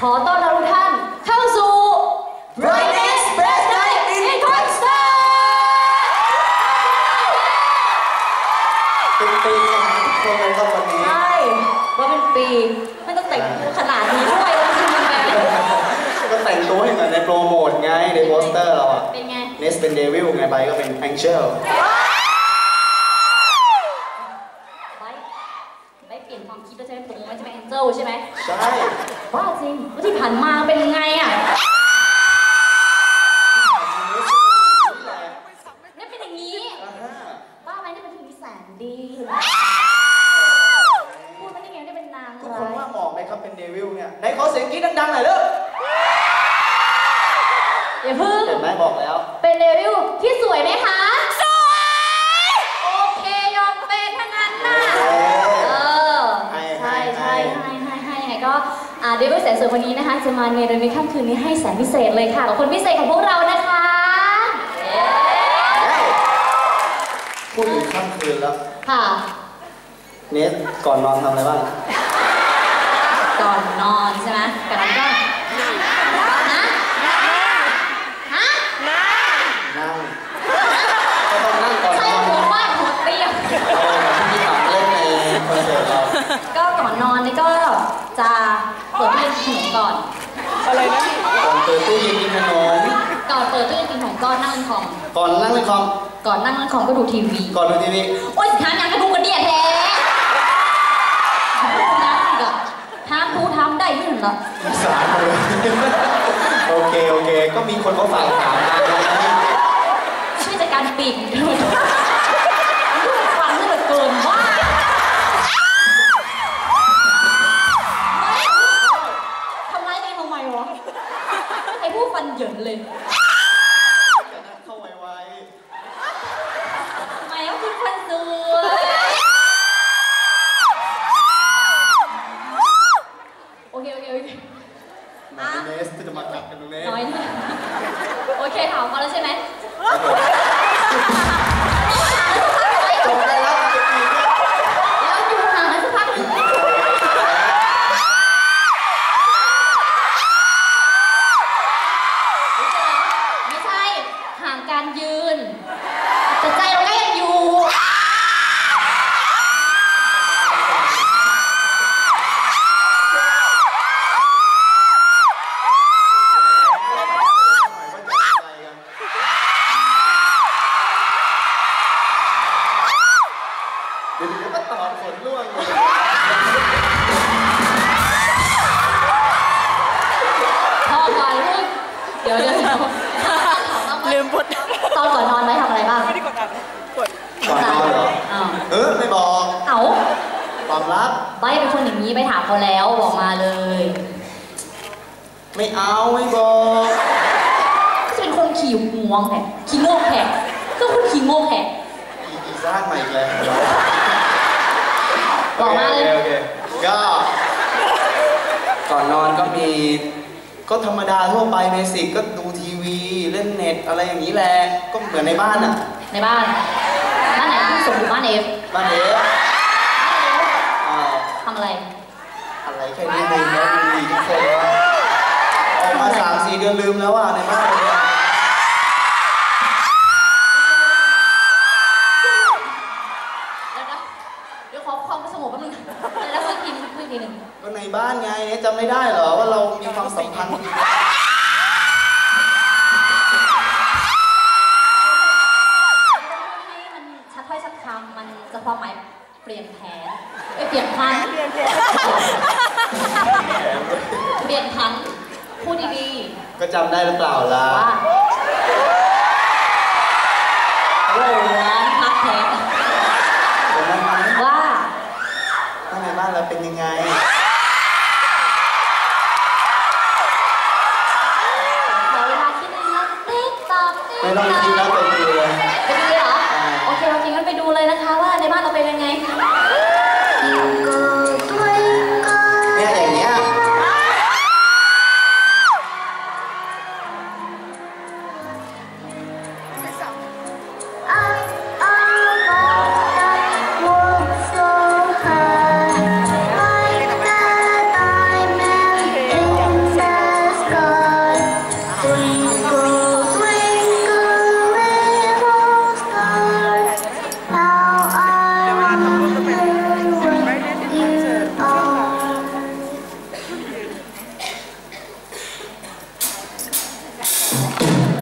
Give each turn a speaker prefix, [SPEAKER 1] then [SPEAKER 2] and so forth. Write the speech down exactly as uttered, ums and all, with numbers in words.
[SPEAKER 1] ขอต้อนรับทุกท่านเข้าสู่ Brightness Best Night in Concert
[SPEAKER 2] เป็นปีของทุกคนเลยครับวันนี้
[SPEAKER 1] ใช่ว่าเป็นปีไม่ต้องแต่งตัวขนาดนี้ด้วยแล้วคือมันแบบ
[SPEAKER 2] ก็แต่งตัวให้เหมือนในโปรโมทไงในโปสเตอร์เราอะ
[SPEAKER 1] เป็นไง
[SPEAKER 2] เนสเป็นเดวิลไงไปก็เป็นแองเจิล
[SPEAKER 1] ได้เปลี่ยนความคิดแล้วใช่ไหมตรงไม่ใช่ไหมแองเจิลใช่ไหม
[SPEAKER 2] ใช่
[SPEAKER 1] บ้าจริงว่าที่ผ่านมาเป็นยังไงอะนี่เป็นอย่างนี้บ้าไหมนี่เป็นผู้หญิงแสนดีพูดมาได้ไงได้เป็นนาง
[SPEAKER 2] ทุกคนว่าเหมาะไหมครับเป็นเดวิลเนี่ยไหนขอเสียงกรี๊ดดังๆหน่อยเด้อ
[SPEAKER 1] อย่าพึ่ง
[SPEAKER 2] เห็นไหมบอกแล้ว
[SPEAKER 1] เป็นเดวิลที่สวยไหมคะสวยโอเคยอมเป็นทั้งนั้นนะเออใช่ใช่ให้ให้ให้ยังไงก็อ่าเดวิลแสนสวยคนนี้นะคะจะมาในเดือนในค่ำคืนนี้ให้แสนพิเศษเลยค่ะกับคนพิเศษของพวกเรานะคะ
[SPEAKER 2] พูดถึงค่ำคืนแล้ว
[SPEAKER 1] ค่ะ
[SPEAKER 2] เนสก่อนนอนทำอะไรบ้าง
[SPEAKER 1] ก่อนนอนใช่ไหมก่อนนอนก็ฮะฮะ
[SPEAKER 2] นั่งก็ต้องนั่งก่อนนอน
[SPEAKER 1] ใช่หัวฟาดหัวเตี้ย
[SPEAKER 2] ที่ถามเล่นในคอนเสิร์ตเรา
[SPEAKER 1] ก็ก่อนนอนนี่ก็จะเปิดตู้เย็นกินขนมก่อน
[SPEAKER 2] อะไรนะก่อนเปิดตู้เย็นกินขนม
[SPEAKER 1] ก่อนเปิดตู้เย็นกินขนมก็นั่งเล่นคอม
[SPEAKER 2] ก่อนนั่งเล่นคอม
[SPEAKER 1] ก่อนนั่งเล่นคอมก็ดูทีวี
[SPEAKER 2] ก่อนดูทีวี
[SPEAKER 1] โอ๊ยทานยังกระดูกกระเดียดแท้นั่งอีกอะทำทูทำได้ที่หนึ่งละ
[SPEAKER 2] สารเลยโอเคโอเคก็มีคนเขาฝากถามมา
[SPEAKER 1] ช่วยจัดการปีกด้วยฟังเหลือเกินว่าทำร้ายตัวเองทำไมวะไอ้ผู้ฟันเหยินเลย
[SPEAKER 2] เข้าไว
[SPEAKER 1] ๆทำไมว่าคุณฟันสวยโอเคโอเคโอเค
[SPEAKER 2] อ่ะเนสจะมากัดกันตรงนี้
[SPEAKER 1] น้อยนะโอเคถามเขาแล้วใช่ไหม
[SPEAKER 2] จบได้แล้ว
[SPEAKER 1] แล้วอยู่ห่างกันสักพักหนึ่งไม่ใช่ห่างการยืนแต่ใจเราก็ยังอยู่
[SPEAKER 2] เดี๋ยวก็ตอบผลล่วงเลย
[SPEAKER 1] พอก่อนลูกเดี๋ยวเดี๋ยว
[SPEAKER 3] ลืมบท
[SPEAKER 1] ตอนก่อนนอนไหมทำอะไรบ้าง
[SPEAKER 3] ไม่ได้กดอ่านกด
[SPEAKER 2] ก่อนนอนเหรอเออไม่บอก
[SPEAKER 1] เอ้า
[SPEAKER 2] ความลับ
[SPEAKER 1] ใบเป็นคนอย่างนี้ไปถามเขาแล้วบอกมาเลย
[SPEAKER 2] ไม่เอาไม่บอก
[SPEAKER 1] จะเป็นคนขี่งวงแผลขี่โง่แผลก็คุณขี่โง่แผล
[SPEAKER 2] อีสร้างใหม่เลย
[SPEAKER 1] บอกมาเลย
[SPEAKER 2] โอเคก็ก่อนนอนก็มีก็ธรรมดาทั่วไปเบสิกก็ดูทีวีเล่นเน็ตอะไรอย่างนี้แหละก็เหมือนในบ้านอ่ะ
[SPEAKER 1] ในบ้านบ้านไหนที่ส่งอยู่บ้านเอฟ
[SPEAKER 2] บ้านเอฟ
[SPEAKER 1] ทำอะไร
[SPEAKER 2] อะไรแค่นี้เองนะดีทุกคนออกมาสามสี่เดือนลืมแล้วอ่ะในบ้านเนี่ย
[SPEAKER 1] เดี๋ยวขอความสงบแป๊บนึงแล้วค่อยกินคุยทีหนึ่ง
[SPEAKER 2] ก็ในบ้านไงจำไม่ได้เหรอว่าเรามีความสัมพันธ์
[SPEAKER 1] ชัดถ้อยชัดคำมันจะความหมายเปลี่ยนแผนเปลี่ยนพันเปลี่ยนแผนเปลี่ยนพันพูดดี
[SPEAKER 2] ๆก็จำได้หรือเปล่าล่ะ
[SPEAKER 1] ว่า